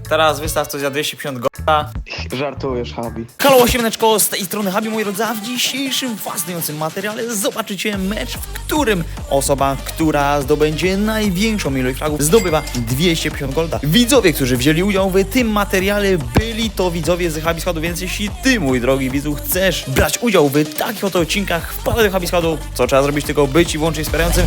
Teraz wystaw coś za 250 gola. Żartujesz, Habi. Halo, siemaneczko, z tej strony Habi, moi drodzy, a w dzisiejszym fascynującym materiale zobaczycie mecz, w którym osoba, która zdobędzie największą ilość fragów, zdobywa 250 golda. Widzowie, którzy wzięli udział w tym materiale, byli to widzowie z Habi Składu, więc jeśli ty, mój drogi widzu, chcesz brać udział w takich oto odcinkach, wpadaj do Habi Składu. Co trzeba zrobić? Tylko być i wyłącznie wspierającym.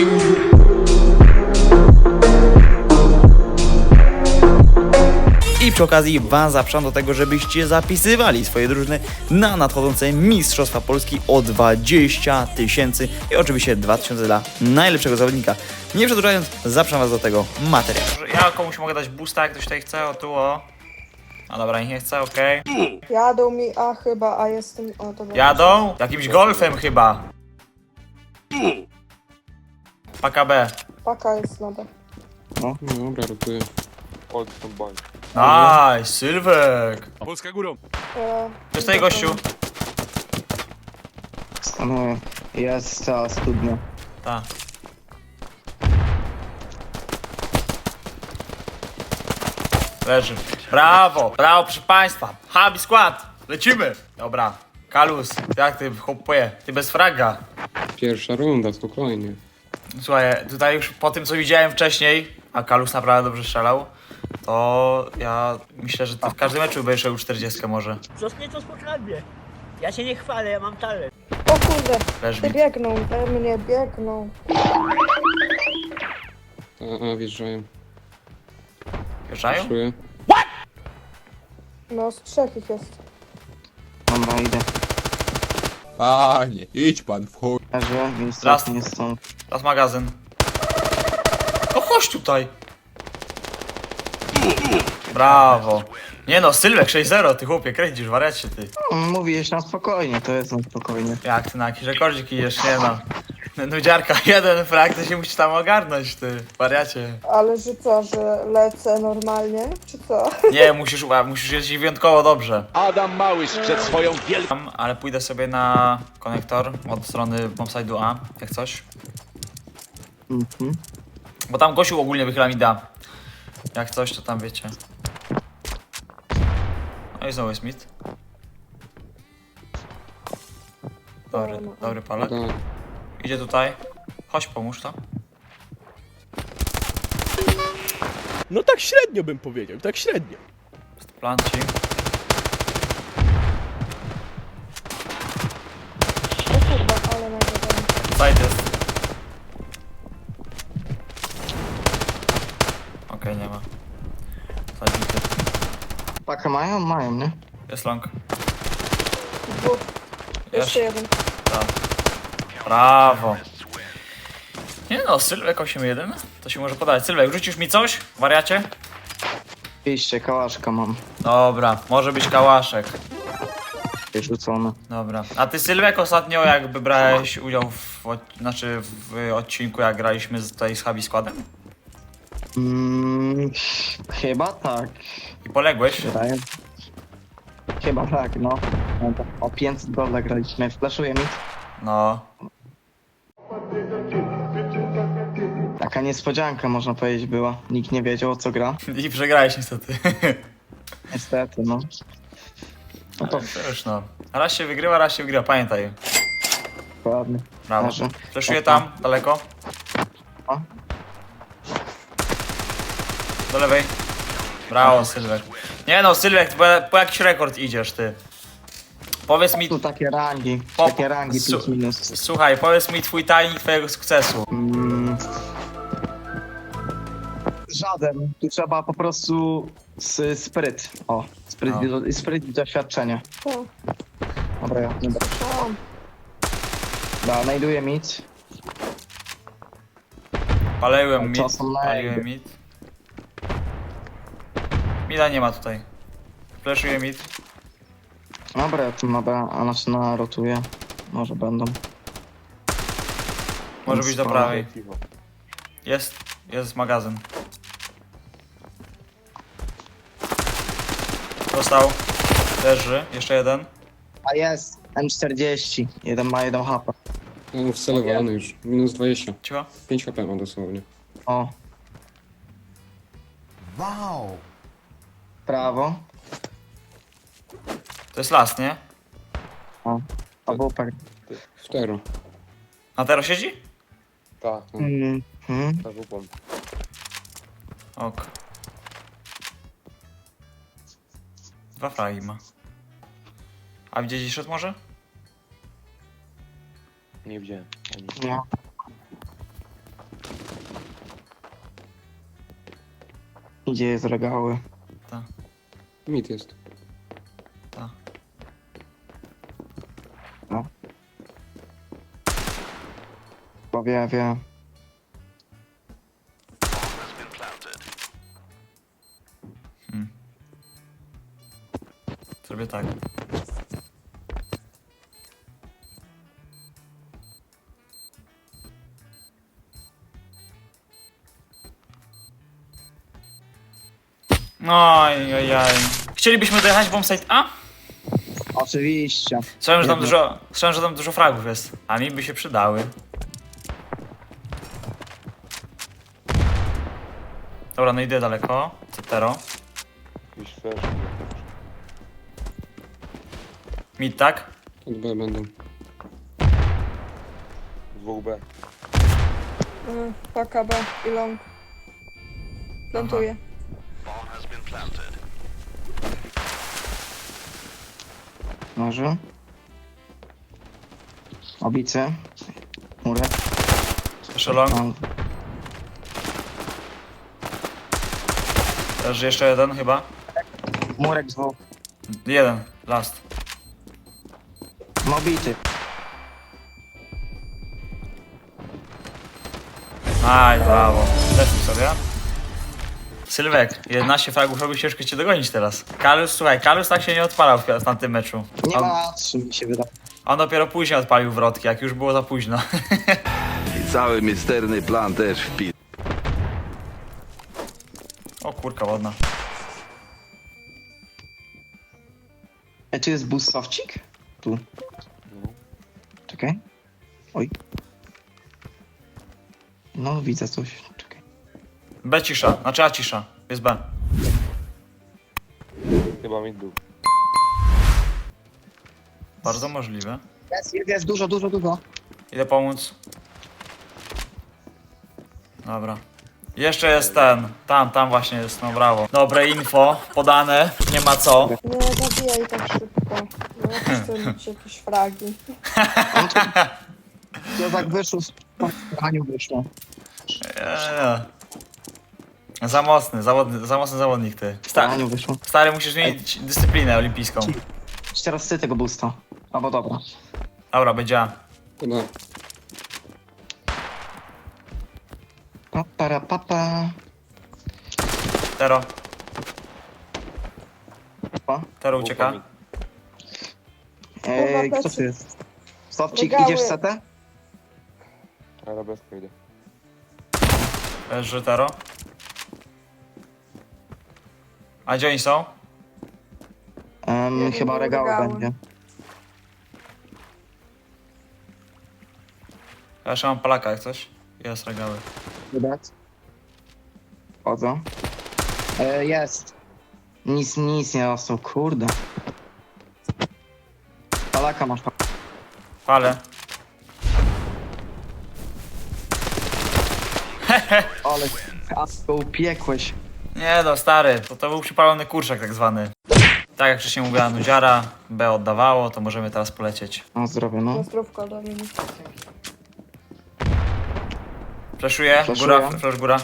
I przy okazji was zapraszam do tego, żebyście zapisywali swoje drużyny na nadchodzące Mistrzostwa Polski o 20 000 i oczywiście 2000 dla najlepszego zawodnika. Nie przedłużając, zapraszam was do tego materiału. Ja komuś mogę dać boosta, jak ktoś tutaj chce, o tu, o. A dobra, niech nie chce, okej. Jadą mi A chyba, a jestem... O, to Jadą? Jakimś golfem chyba. Paka B. Paka jest na B. No. Dobra, rotuję. Old from bank. Nice, Sylwek. Polska górą. Jest tutaj gościu. Skanuję. Jest cała studnia. Tak. Leży. Brawo, brawo proszę państwa. Habi skład, lecimy. Dobra, Kalus, jak ty chłopuje? Ty bez fraga. Pierwsza runda, spokojnie. Słuchaj, tutaj już po tym co widziałem wcześniej, a Kalus naprawdę dobrze strzelał, to ja myślę, że ty w każdym meczu będziesz robił 40 może. Zostanie to spokojnie. Ja się nie chwalę, ja mam talent. O kurde, Leż ty mi. biegną, we mnie biegną. A, wjeżdżają. Wjeżdżają? Czuję. No, z trzech ich jest. Dobra, idę. Panie, idź pan w chuj. Leżę, więc Raz. nie stąd. Teraz magazyn. No chodź tutaj. Brawo. Nie no, Sylwek 6-0, ty chłopie, kręcisz, wariacie ty. Mówiłeś na spokojnie, to jest na spokojnie. Jak ty na jakiś rekordzik idziesz, nie no. Nudziarka, jeden frag, to się musi tam ogarnąć, ty, wariacie. Ale że co, że lecę normalnie, czy co? Nie, musisz jeździć wyjątkowo dobrze. Adam Małysz przed swoją wielką... Ale pójdę sobie na konektor od strony bombside'u A, jak coś. Mhm. Bo tam gościu ogólnie wychyla mi da. Jak coś, to tam wiecie. No i znowu jest mid. Dobry palek. Da. Idzie tutaj. Chodź, pomóż to. No tak średnio bym powiedział, tak średnio. Planci. O kurwa, ale nagadam. Side jest. Okej, nie ma. Zabity. Pakę mają? Mają, nie? Jest long. Dwóch. Jeszcze jeden. Tak. Brawo. Nie no, Sylwek 8-1. To się może podać. Sylwek, rzucisz mi coś? Wariacie? Iście, kałaszka mam. Dobra, może być kałaszek. Wyrzucone. Dobra. A ty Sylwek ostatnio jakby brałeś udział w odcinku jak graliśmy tutaj z Habi Składem? Chyba tak. I poległeś? Wydaje. Chyba tak, no. O 500 golda graliśmy. Flaszuję mi. No. Taka niespodzianka, można powiedzieć, była. Nikt nie wiedział, o co gra. I przegrałeś niestety. Niestety, no. No to To już no. Raz się wygrywa, pamiętaj. ładnie. Brawo. Leży. Fleszuję tam, daleko. O. Do lewej. Brawo, Sylwek. Nie no, Sylwek, po jakiś rekord idziesz ty. Powiedz mi, Tu takie rangi. Po- Takie rangi su- plus minus. słuchaj, powiedz mi twój tajnik twojego sukcesu. Żaden. Tu trzeba po prostu spryt. O, spryt, No. spryt i doświadczenie. O, Dobra, ja nie będę. tam. Da, znajduję mit. Paliłem mid, Czasem na paliłem jakby. mid. Mida nie ma tutaj. Fleszuję mid. Dobra, ja tu na B, a znaczy na rotuję. Może będą. Może być do prawej. Jest magazyn. Dostał. Leży, jeszcze jeden. A jest! M40. Jeden ma 1 HP. No, wcelowany już. Minus 20. Cicho. 5 HP ma dosłownie. O. Wow! Prawo. To jest las, nie? Albo per. Cztero. A teraz siedzi? Tak, tak upam. Ok. 2 fragi ma. A gdzieś szedł może? Nie widziałem. Ani. No. Gdzie jest regały? Mit jest. Tak. Bo wie. Zrobię tak. Oj. Chcielibyśmy dojechać bombsite A? Oczywiście. Słyszałem, że tam dużo fragów jest. A mi by się przydały. Dobra, no idę daleko. Cetero. Jakiś flash. Mid, tak? Od B będą. 2B. Paka B i long. Plantuję. Może. Obicy. Murek. Jeszcze long. Mam. Też jeszcze jeden chyba. Murek 2. Jeden. Last. Mobity. Aj, brawo. Lecimy sobie. Sylwek, 11 fragów robi ciężko cię dogonić teraz. Słuchaj, Kalus tak się nie odpalał w tamtym meczu. Nie ma 3 mi się wydaje. On dopiero później odpalił wrotki, jak już było za późno. I cały misterny plan też wpis. O kurka wodna. Czy jest boostowcik? Tu. Czekaj. Oj. No, widzę coś. Czekaj. B cisza, znaczy A cisza. Jest B. Chyba mid był. Bardzo możliwe. Jest dużo. Idę pomóc. Dobra. Jeszcze jest ten. Tam właśnie jest, no brawo. Dobre info, podane, nie ma co. Nie zabijaj tak szybko. No, chcę mieć jakieś fragi. Ja tak wyszło, z Aniu wyszło. Za mocny zawodnik ty. Aniu wyszło. Stary, musisz zmienić dyscyplinę olimpijską. Teraz ty tego boosta. Albo dobra. Dobra, będzie A. To da. Papa. Tero. Pa. Tero ucieka. Kto tu jest? Stopcik, Regały. idziesz setę? Ale bezko idę. Leży Tero. A gdzie oni są? Chyba regały regały. będzie. Ja jeszcze mam palaka jak coś. Jest regały. Widać? Chodzą. Jest. Nic nie dostał, kurde. Palaka masz. Palę. Ale go upiekłeś. Nie no, stary, to był przypalony kurczak tak zwany. Tak jak wcześniej mówiła Nudziara, B oddawało, to możemy teraz polecieć. Na zdrowie, no. Zdrówko do mnie. Fleszuję, Flashuję. góra, flash góra.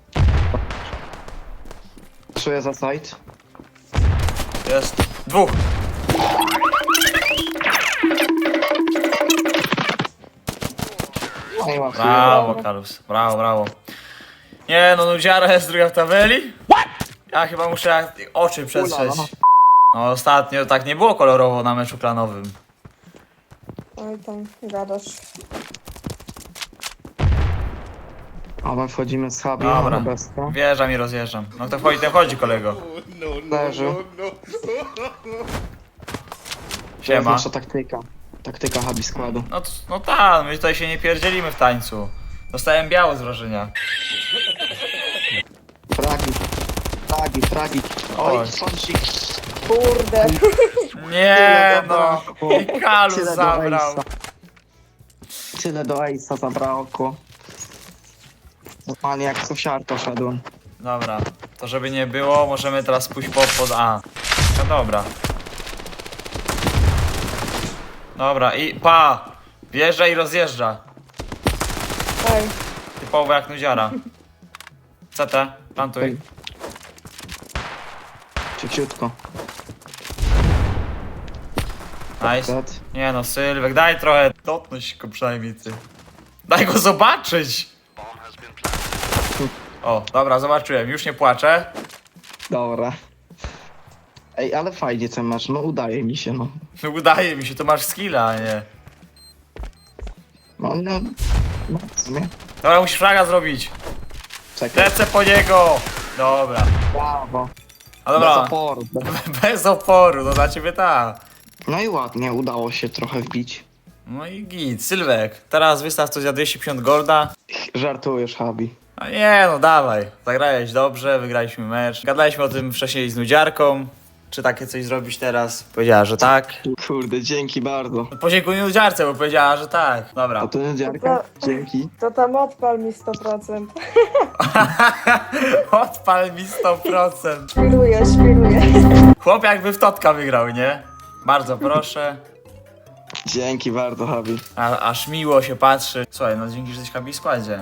Czuję za site. Jest. Dwóch. No i łatwiej. Brawo, Kalus, brawo. Nie no, Nudziara jest druga w tabeli. Ja chyba muszę oczy przetrzeć. No ostatnio tak nie było kolorowo na meczu klanowym. Oj tam, gadasz. A my wchodzimy z hubi. Dobra. Bezka. Wjeżdżam i rozjeżdżam. No to wchodzi, ten wchodzi kolego. Leży. To jest Siema. nasza taktyka. Taktyka hubi składu. No tak, my tutaj się nie pierdzielimy w tańcu. Dostałem biało z wrażenia. Fragi. Oj. Oj, sąsik. Kurde. Nie no. zabrakło. I Kalus Tyle do zabrał. Ace'a. Tyle do Ace'a zabrakło. Normalnie jak sosiarka szedłem. Dobra, to żeby nie było, możemy teraz pójść pod A. No dobra. Dobra i wjeżdża i rozjeżdża. Ej, Typowo jak nudziara. CT, plantuj. Szybciutko. Nice. Dead. Nie no, Sylwek, daj trochę. Dotknąć go przynajmniej ty. Daj go zobaczyć! O, dobra, zobaczyłem, już nie płaczę. Dobra. Ej, ale fajnie ten mecz, no udaje mi się, no. Udaje mi się, to masz skilla, a nie. No, w sumie. Dobra, musisz fraga zrobić. Czekaj. Lecę po niego! Dobra. Brawo. A Bez dobra, oporu. bez oporu, no dla ciebie tak. No i ładnie, udało się trochę wbić. No i git, Sylwek, teraz wystaw coś za 250 golda. Żartujesz, Habi. A nie no, dawaj. Zagrałeś dobrze, wygraliśmy mecz. Gadaliśmy o tym wcześniej z nudziarką. Czy takie coś zrobić teraz? Powiedziała, że tak. Kurde, dzięki bardzo. Podziękuj nudziarce, bo powiedziała, że tak. Dobra. A to niedziarka? Dzięki. to tam odpal mi 100%. Odpal mi 100%. Świruję. Chłop jakby w totka wygrał, nie? Bardzo proszę. Dzięki bardzo, Habi. Aż miło się patrzy. Słuchaj, no dzięki, że jesteś w składzie.